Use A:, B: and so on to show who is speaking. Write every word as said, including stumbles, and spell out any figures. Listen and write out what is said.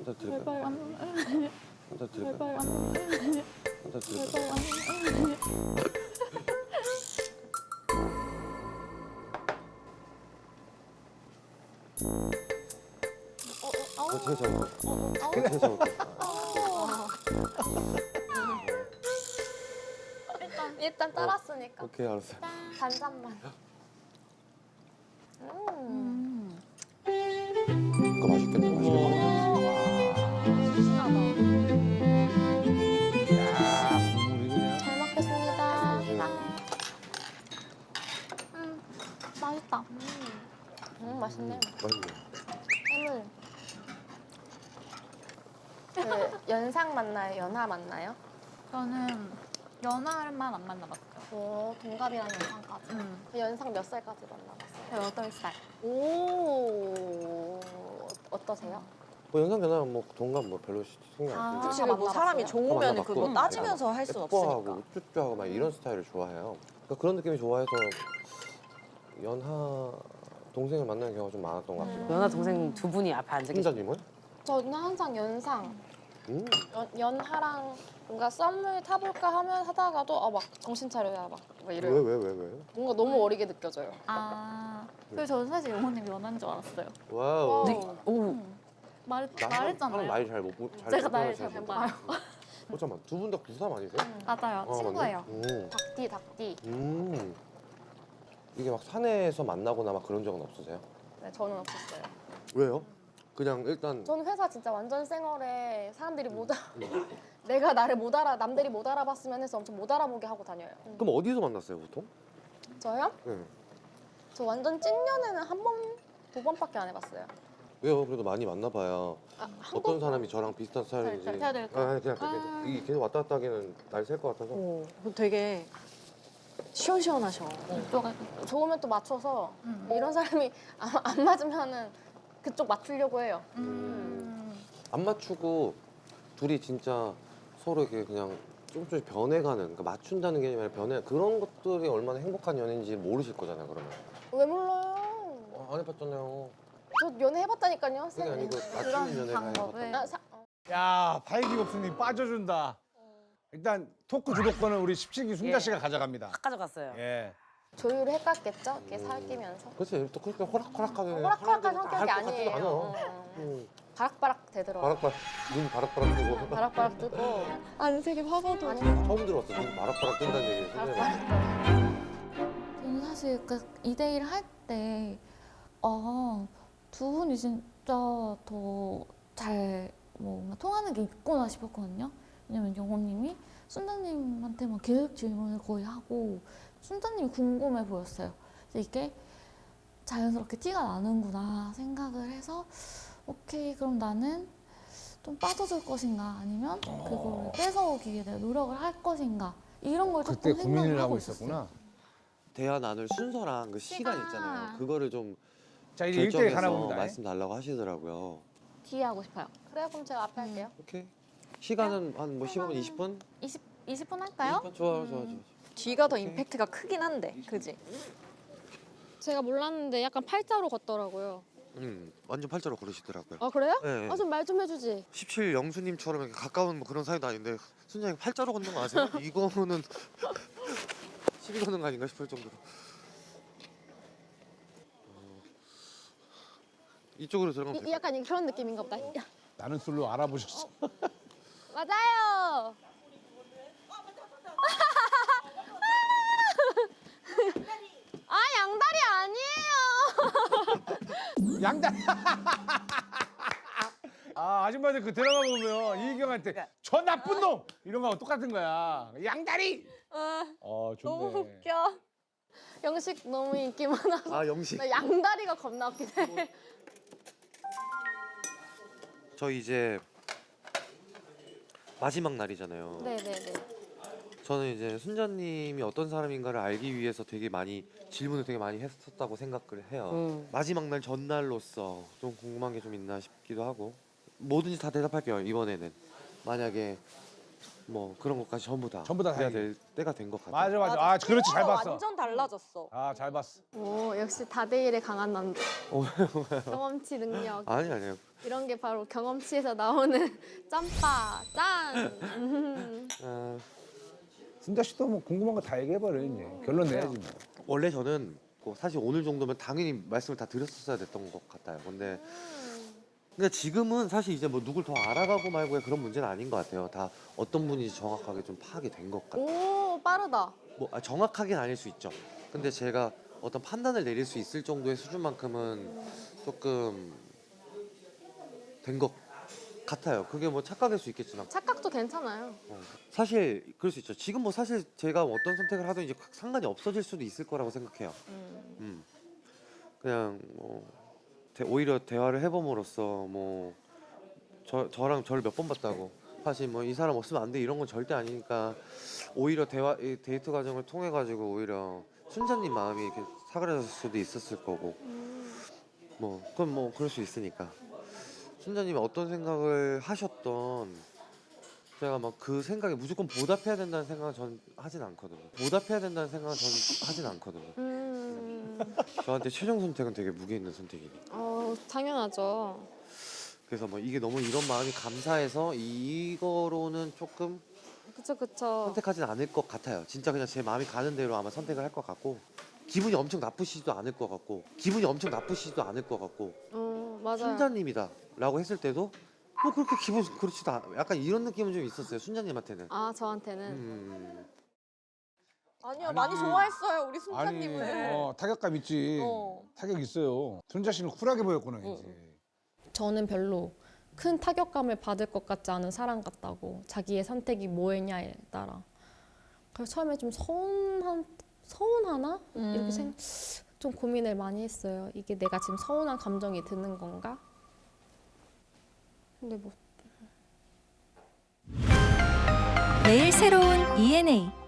A: 한잔 드릴까요?
B: 제발 안
A: 한잔 드릴까요?
B: 제발 안
A: 한잔
B: 제발
A: 드릴까요?
B: 안
A: 어, 제가 잘못했어. 제가 잘못했어.
C: 일단 일단 따랐으니까
A: 오케이, 알았어요.
C: 반잔만. 음.
B: 음.
A: 이거 맛있겠다, 맛있겠다.
C: 신나다.
D: 야, 국물이 그냥.
C: 잘 먹겠습니다.
A: 네.
C: 음, 맛있다. 음, 음 맛있네.
A: 맛있네.
C: 해물. 그 연상 맞나요? 연하 맞나요?
B: 저는 연하만 안 만나봤어요.
C: 오, 동갑이랑 연상까지.
B: 음.
C: 그 연상 몇 살까지 만나봤어요?
B: 여덟 살.
C: 오, 어떠세요?
A: 뭐 연상 연하면 뭐 동갑 뭐 별로 신경 안
C: 아,
A: 쓰고.
E: 그치, 뭐 사람이
C: 만나봤어요?
E: 좋으면
A: 만나봤고.
E: 그거 따지면서 할 순
A: 예뻐하고
E: 없으니까.
A: 우쭈쭈하고 막 이런 스타일을 좋아해요. 그러니까 그런 느낌이 좋아해서 연하 동생을 만나는 경우가 좀 많았던 것 같아요.
E: 연하 동생 두 분이 앞에 앉아 계시.
A: 혼자님은?
C: 저는 항상 연상,
A: 음.
C: 연, 연하랑 뭔가 썸을 타볼까 하면 하다가도 아, 막 정신 차려야 막, 막
A: 왜
C: 이래요.
A: 왜 왜 왜?
C: 뭔가 너무 어리게 느껴져요.
B: 아, 그래서 저는 사실 영호님 연하인 줄 알았어요.
A: 와우.
C: 네.
E: 오,
B: 말
A: 나
B: 말했잖아요.
A: 나이 잘못잘
B: 제가 나이 잘 못 봐요.
A: 어 잠깐 두 분 다 구삼 아니세요?
B: 맞아요.
A: 어,
B: 친구예요.
A: 맞네? 음.
C: 닭띠, 닭띠.
A: 음. 이게 막 산에서 만나거나 막 그런 적은 없으세요?
C: 네, 저는 없었어요.
A: 왜요? 그냥 일단
C: 저는 회사 진짜 완전 쌩얼에 사람들이 못 알아,
A: 음.
C: 내가 나를 못 알아, 남들이 못 알아봤으면 해서 엄청 못 알아보게 하고 다녀요.
A: 그럼 어디서 만났어요 보통?
C: 저요?
A: 네.
C: 저 완전 찐년에는 한 번, 두 번밖에 안 해봤어요.
A: 왜요? 그래도 많이 만나봐야
C: 아,
A: 어떤 사람이 저랑 비슷한 스타일인지.
B: 잘- 잘 될까?
A: 아, 아니, 그냥
B: 아.
A: 이게 계속 왔다 갔다 하기는 날 셀 것 같아서.
E: 오, 되게 시원시원하셔.
B: 이쪽에
C: 좋으면 또 맞춰서
B: 음.
C: 이런 사람이 안, 안 맞으면은 그쪽 맞추려고 해요.
B: 음.
A: 안 맞추고 둘이 진짜 서로 이렇게 그냥 조금 조금씩 변해가는, 그러니까 맞춘다는 게 아니라 변해, 그런 것들이 얼마나 행복한 연인인지 모르실 거잖아요, 그러면.
C: 왜 몰라요?
A: 어, 안 해봤잖아요.
C: 저 연애 해봤다니까요.
A: 그게 아니고 맞추는 연애가
B: 방법을.
A: 해봤다.
C: 아, 사, 어.
D: 야, 팔기 없으니 빠져준다. 일단 토크 주도권은 우리 십칠기 순자
E: 예.
D: 씨가 가져갑니다.
E: 딱 가져갔어요.
D: 예.
C: 조율을 해갔겠죠? 이렇게
A: 음.
C: 살기면서.
A: 그렇지, 또 그렇게 호락호락하게.
C: 호락호락한
A: 하려고
C: 성격이
A: 할것 같지도
C: 아니에요.
A: 않아.
C: 어.
A: 음.
C: 바락바락 되더라고요.
A: 바락바락, 눈 바락바락 뜨고.
C: 바락바락 뜨고.
B: 안색이 화가도.
C: 아니,
A: 처음 들어봤어, 눈 바락바락 뜬다는 얘기를.
C: 바락바락.
B: 저는 사실 그 이 대 일 할 때, 아, 두 분이 진짜 더 잘 뭔가 통하는 게 있구나 싶었거든요. 왜냐면 영호님이 순자님한테만 계속 질문을 거의 하고 순자님이 궁금해 보였어요. 그래서 이게 자연스럽게 티가 나는구나 생각을 해서 오케이, 그럼 나는 좀 빠져줄 것인가 아니면 그걸 뺏어오기 위해 내가 노력을 할 것인가 이런 걸
D: 그때
B: 조금
D: 고민을
B: 생각을
D: 하고
B: 있었어요.
D: 있었구나.
A: 대화 나눌 순서랑 그 시간
B: 시간.
A: 있잖아요. 그거를 좀
D: 자, 이제 일 대 일 가나
A: 결정해서
D: 봅니다.
A: 말씀 달라고 하시더라고요.
B: 뒤에 하고 싶어요.
C: 그래요, 그럼 제가 앞에 할게요.
A: 오케이. 시간은 한 뭐 십오 분, 이십 분?
B: 이십, 이십 분 할까요?
A: 이십 분? 좋아요, 좋아요, 좋아요.
E: 뒤가 더 임팩트가 크긴 한데, 그지?
C: 제가 몰랐는데 약간 팔자로 걷더라고요.
A: 음, 완전 팔자로 걸으시더라고요.
C: 아, 그래요?
A: 네.
C: 아, 좀 말 좀 해주지.
A: 십칠 영수님처럼 이렇게 가까운 뭐 그런 사이도 아닌데 순장님 팔자로 걷는 거 아세요? 이거는 시비 거는 거 아닌가 싶을 정도로. 어, 이쪽으로 들어가면
C: 이,
A: 될까요?
C: 약간 그런 느낌인가 보다. 야,
D: 나는 술로 알아보셨어.
C: 맞아요. 아, 양다리 아니에요.
D: 양다리. 아, 아줌마들 그 드라마 보면 이희경한테 저 나쁜 놈 이런 거하고 똑같은 거야. 양다리. 어, 좋네.
C: 너무 웃겨. 영식 너무 인기 많아서
A: 아, 영식.
C: 나 양다리가 겁나 웃긴 해.
A: 저 이제 마지막 날이잖아요.
C: 네네네.
A: 저는 이제 순자님이 어떤 사람인가를 알기 위해서 되게 많이 질문을 되게 많이 했었다고 생각을 해요.
E: 음.
A: 마지막 날 전날로서 좀 궁금한 게 좀 있나 싶기도 하고 뭐든지 다 대답할게요 이번에는. 만약에 뭐 그런 것까지 전부 다
D: 전부 다
A: 해야
D: 다행이에요.
A: 될 때가 된 것 같아요.
D: 맞아 맞아. 아 그렇지 잘 봤어.
E: 완전 달라졌어.
D: 아 잘 봤어.
F: 오, 역시 다대일에 강한 남자.
A: 어,
F: 경험치 능력.
A: 아니 아니요.
F: 이런 게 바로 경험치에서 나오는 짬바, 짠. 음.
A: 아,
D: 순자 씨도 뭐 궁금한 거 다 얘기해버려 이제. 결론 내야지 뭐.
A: 원래 저는 뭐 사실 오늘 정도면 당연히 말씀을 다 드렸었어야 됐던 것 같아요. 근데 근데 지금은 사실 이제 뭐 누굴 더 알아가고 말고의 그런 문제는 아닌 것 같아요. 다 어떤 분인지 정확하게 좀 파악이 된 것 같아요.
F: 오, 빠르다.
A: 뭐 아, 정확하긴 아닐 수 있죠. 근데 제가 어떤 판단을 내릴 수 있을 정도의 수준만큼은 조금 된 것 같아요. 그게 뭐 착각일 수 있겠지만
F: 착각도 괜찮아요.
A: 어, 사실 그럴 수 있죠. 지금 뭐 사실 제가 어떤 선택을 하든 이제 상관이 없어질 수도 있을 거라고 생각해요. 음. 그냥 뭐 대- 오히려 대화를 해봄으로써 뭐 저, 저랑 저를 몇 번 봤다고 사실 뭐 이 사람 없으면 안 돼 이런 건 절대 아니니까 오히려 대화 이 데이트 과정을 통해 가지고 오히려 순자님 마음이 이렇게 사그라졌을 수도 있었을 거고 뭐 그건 뭐 그럴 수 있으니까 순자님이 어떤 생각을 하셨던 제가 막 그 생각에 무조건 보답해야 된다는 생각은 전 하진 않거든요. 보답해야 된다는 생각은 전 하진 않거든요.
F: 음.
A: 저한테 최종 선택은 되게 무게 있는 선택이니까.
C: 어, 당연하죠.
A: 그래서 뭐 이게 너무 이런 마음이 감사해서 이거로는 조금
C: 그쵸, 그쵸.
A: 선택하진 않을 것 같아요. 진짜 그냥 제 마음이 가는 대로 아마 선택을 할 것 같고 기분이 엄청 나쁘시지도 않을 것 같고 기분이 엄청 나쁘시지도 않을 것 같고
F: 어, 맞아요.
A: 순자님이다 라고 했을 때도 뭐 그렇게 기분 그렇지도 않 약간 이런 느낌은 좀 있었어요. 순자님한테는.
F: 아, 저한테는.
A: 음,
E: 아니요
D: 아니지.
E: 많이 좋아했어요 우리
D: 아니
E: 순자님을.
D: 어, 타격감 있지.
E: 어.
D: 타격 있어요. 순자 씨는 쿨하게 보였구나 이제.
G: 저는 별로 큰 타격감을 받을 것 같지 않은 사람 같다고 자기의 선택이 뭐냐에 따라 그래서 처음에 좀 서운한 서운하나 이렇게 생, 좀 고민을 많이 했어요. 이게 내가 지금 서운한 감정이 드는 건가? 근데 뭐
H: 매일 새로운 이엔에이